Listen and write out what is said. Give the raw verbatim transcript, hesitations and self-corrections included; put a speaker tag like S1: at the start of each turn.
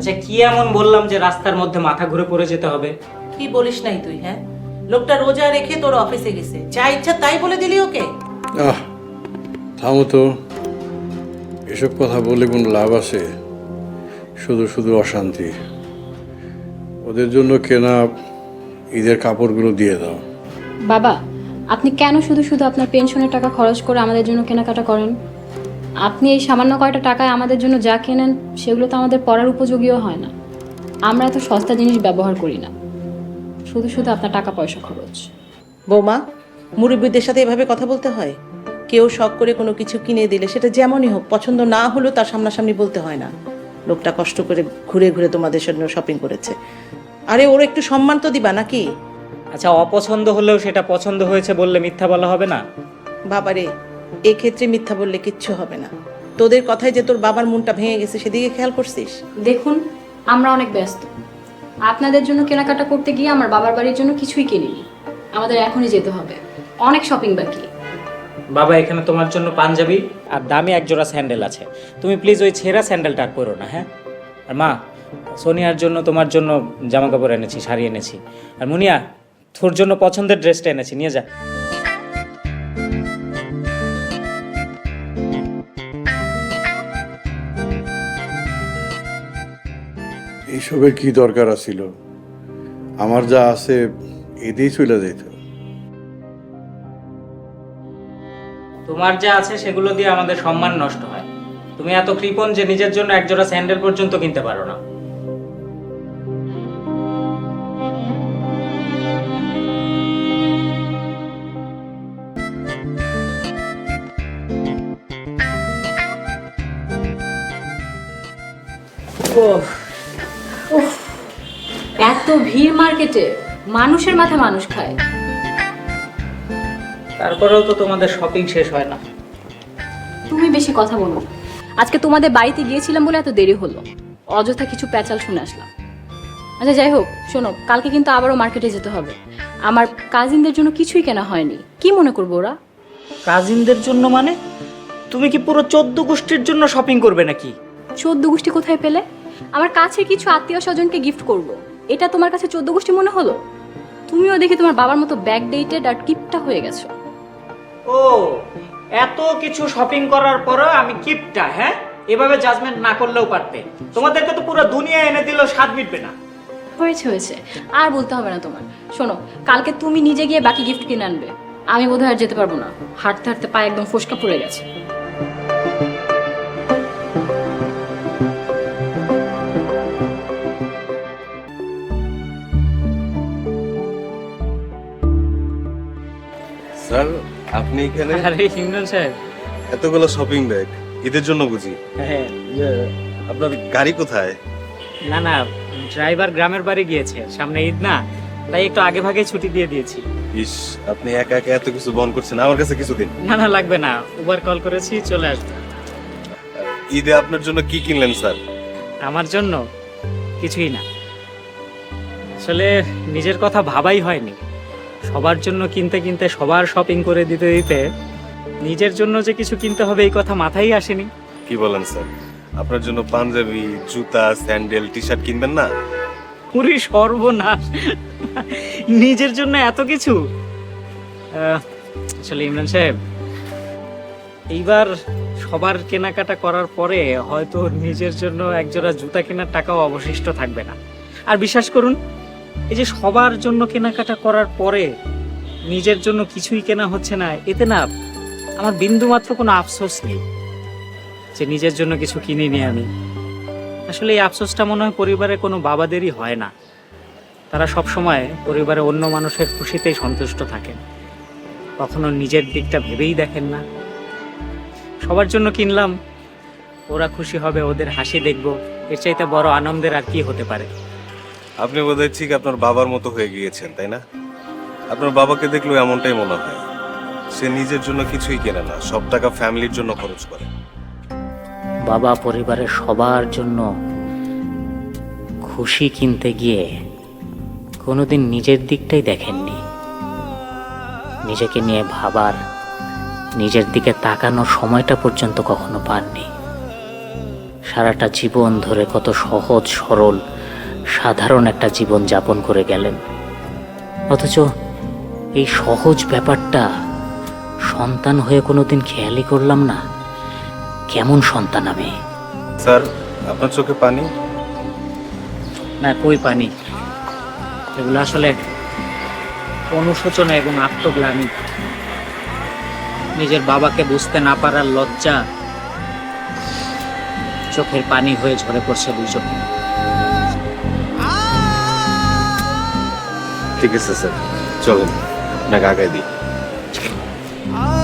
S1: আচ্ছা কি এমন বললাম যে রাস্তার মধ্যে মাথা ঘুরে পড়ে যেতে হবে?
S2: কি বলিস নাই তুই? হ্যাঁ, লোকটা রোজা রেখে তোর অফিসে গেছে, যা ইচ্ছা তাই বলে দিলি ওকে?
S3: আহ থামো তো, এসব কথা বলে কোনো লাভ আছে? শুধু শুধু অশান্তি। ওদের জন্য কেনা ঈদের কাপড়গুলো দিয়ে দাও।
S4: বাবা, আপনি কেন শুধু শুধু আপনার পেনশনের টাকা খরচ করে আমাদের জন্য কেনাকাটা করেন? আপনি এই সামান্য কয়টা টাকায় আমাদের জন্য যা কেনেন সেগুলো তো আমাদের পড়ার উপযোগীও হয় না। আমরা এত সস্তা জিনিস ব্যবহার করি না, শুধু শুধু আপনার টাকা পয়সা খরচ।
S2: বৌমা, মুরব্বীদের সাথে এভাবে কথা বলতে হয়? কেউ শখ করে কোনো কিছু কিনে দিলে সেটা যেমনই হোক, পছন্দ না হলেও তার সামনাসামনি বলতে হয় না। লোকটা কষ্ট করে ঘুরে ঘুরে তোমাদের জন্য শপিং করেছে, আরে ওর একটু সম্মান তো দিবা নাকি?
S1: আচ্ছা অপছন্দ হলেও সেটা পছন্দ হয়েছে বললে মিথ্যা বলা হবে না?
S2: বাবারে, এক্ষেত্রে মিথ্যা বললে কিচ্ছু হবে না। তোদের কথায় যে তোর বাবার মনটা ভেঙে গেছে সেদিকে খেয়াল করছিস?
S4: দেখুন, আমরা অনেক ব্যস্ত। আপনাদের জন্য কেনাকাটা করতে গিয়ে আমার বাবার বাড়ির জন্য কিছুই কিনিনি। আমাদের এখনই যেতে হবে, অনেক শপিং বাকি।
S1: বাবা এখানে তোমার জন্য পাঞ্জাবি আর দামি এক জোড়া স্যান্ডেল আছে, তুমি প্লিজ ওই ছেঁড়া স্যান্ডেলটা আর পরো না, হ্যাঁ? আর মা, সোনিয়ার জন্য তোমার জন্য জামা কাপড় এনেছি, শাড়ি এনেছি। আর মুনিয়া, তোর জন্য পছন্দের ড্রেসটা এনেছি, নিয়ে যা।
S3: এইসবের কি দরকার ছিল? আমার যা আছে এতেই চলে যেত।
S1: তোমার যা আছে সেগুলো দিয়ে আমাদের সম্মান নষ্ট হয়। তুমি এত কৃপণ যে নিজের জন্য এক জোড়া স্যান্ডেল পর্যন্ত কিনতে পারো না।
S4: এত ভিড় মার্কেটে, মানুষের মাথা মানুষ খায়।
S1: তারপরেও তো তোমাদের শপিং শেষ হয় না।
S4: তুমি বেশি কথা বলো না। আজকে তোমাদের বাড়িতে গিয়েছিলাম বলে এত দেরি হলো, অযথা কিছু প্যাচাল শুনে আসলাম। আচ্ছা যাই হোক, শোনো, কালকে কিন্তু আবারও মার্কেটে যেতে হবে। আমার কাজিনদের জন্য কিছুই কেনা হয়নি, কি মনে করবো ওরা?
S1: কাজিনদের জন্য মানে? তুমি কি পুরো চোদ্দ গোষ্ঠীর জন্য শপিং করবে নাকি?
S4: চোদ্দ গোষ্ঠী কোথায় পেলে? আমার কাছে কিছু আত্মীয় স্বজনকে গিফট করব, এটা তোমার কাছে চোদ্দ গোষ্ঠী মনে হলো? তুমিও দেখি তোমার বাবার মতো ব্যাক ডেটেড আর কিপটা হয়ে গেছো।
S1: ও, এত কিছু শপিং করার পরও আমি কিপটা? হ্যাঁ, এভাবে জাজমেন্ট না করলেও পারতে। তোমাদেরকে তো পুরো দুনিয়া এনে দিলেও স্বাদ মিটবে না।
S4: হয়েছে হয়েছে, আর বলতে হবে না তোমার। শোনো, কালকে তুমি নিজে গিয়ে বাকি গিফট কিনে আনবে। আমি বোধহয় আর যেতে পারবো না, হাঁটতে হাঁটতে পায়ে একদম ফোসকা পড়ে গেছে।
S5: স্যার, আপনি এখানে?
S1: আরে ইমরান সাহেব।
S5: এতগুলো শপিং ব্যাগ ঈদের জন্য বুঝি?
S1: হ্যাঁ।
S5: আপনার গাড়ি কোথায়?
S1: না না, ড্রাইভার গ্রামের বাড়ি গিয়েছে, সামনে ঈদ না, তাই একটু আগে ভাগে ছুটি দিয়ে দিয়েছি।
S5: ইস, আপনি একা একা এত কিছু বহন করছেন, আমার কাছে কিছু দিন।
S1: না না, লাগবে না, উবার কল করেছি, চলে আসবে।
S5: ঈদে আপনার জন্য কি কিনলেন স্যার?
S1: আমার জন্য কিছুই না, আসলে নিজের কথা ভাবাই হয়নি। সবার জন্য কিনতে কিনতে, সবার শপিং করে দিতে দিতে নিজের জন্য যে কিছু কিনতে হবে এই কথা মাথায় আসেনি।
S5: কি বলেন স্যার? আপনার জন্য পাঞ্জাবি, জুতা, স্যান্ডেল, টি শার্ট কিনবেন না?
S1: পুরি সর্বনাশ, নিজের জন্য এত কিছু! আহ, আসলে ইমরান সাহেব, এইবার সবার কেনাকাটা করার পরে হয়তো নিজের জন্য একজোড়া জুতা কেনার টাকাও অবশিষ্ট থাকবে না। আর বিশ্বাস করুন, এই যে সবার জন্য কেনাকাটা করার পরে নিজের জন্য কিছুই কেনা হচ্ছে না, এতে না আমার বিন্দুমাত্র কোনো আফসোস নেই যে নিজের জন্য কিছু কিনিনি আমি। আসলে এই আফসোসটা মনে হয় পরিবারের কোনো বাবাদেরই হয় না। তারা সব সময় পরিবারে অন্য মানুষের খুশিতেই সন্তুষ্ট থাকেন, কখনো নিজের দিকটা ভেবেই দেখেন না। সবার জন্য কিনলাম, ওরা খুশি হবে, ওদের হাসি দেখব, এর চাইতে বড় আনন্দের আর কি হতে পারে?
S5: আপনি বোধহয় ঠিক আপনার বাবার মতো হয়ে গিয়েছেন, তাই না? আপনার বাবাকে দেখলেও এমনটাই মনে হয়। সে নিজের জন্য কিছুই কেনে না, সব টাকা ফ্যামিলির জন্য খরচ করে।
S1: বাবা পরিবারের সবার জন্য খুশি কিনতে গিয়ে কোনোদিন নিজের দিকটাই দেখেননি। নিজেকে নিয়ে ভাবার, নিজের দিকে তাকানোর সময়টা পর্যন্ত কখনো পাননি। সারাটা জীবন ধরে কত সহজ সরল সাধারণ একটা জীবন যাপন করে গেলেন, অথচ এই সহজ ব্যাপারটা সন্তান হয়ে কোনোদিন খেয়ালই করলাম না। কেমন সন্তান আমি!
S5: স্যার, আপনার চোখে পানি?
S1: না, কই পানি, এগুলো আসলে অনুশোচনা এবং আত্মগ্লানি। নিজের বাবাকে বুঝতে না পারার লজ্জা চোখের পানি হয়ে ঝরে পড়ছে দুই চোখে।
S5: ঠিক আছে স্যার, চলেন আপনাকে আগায় দিই।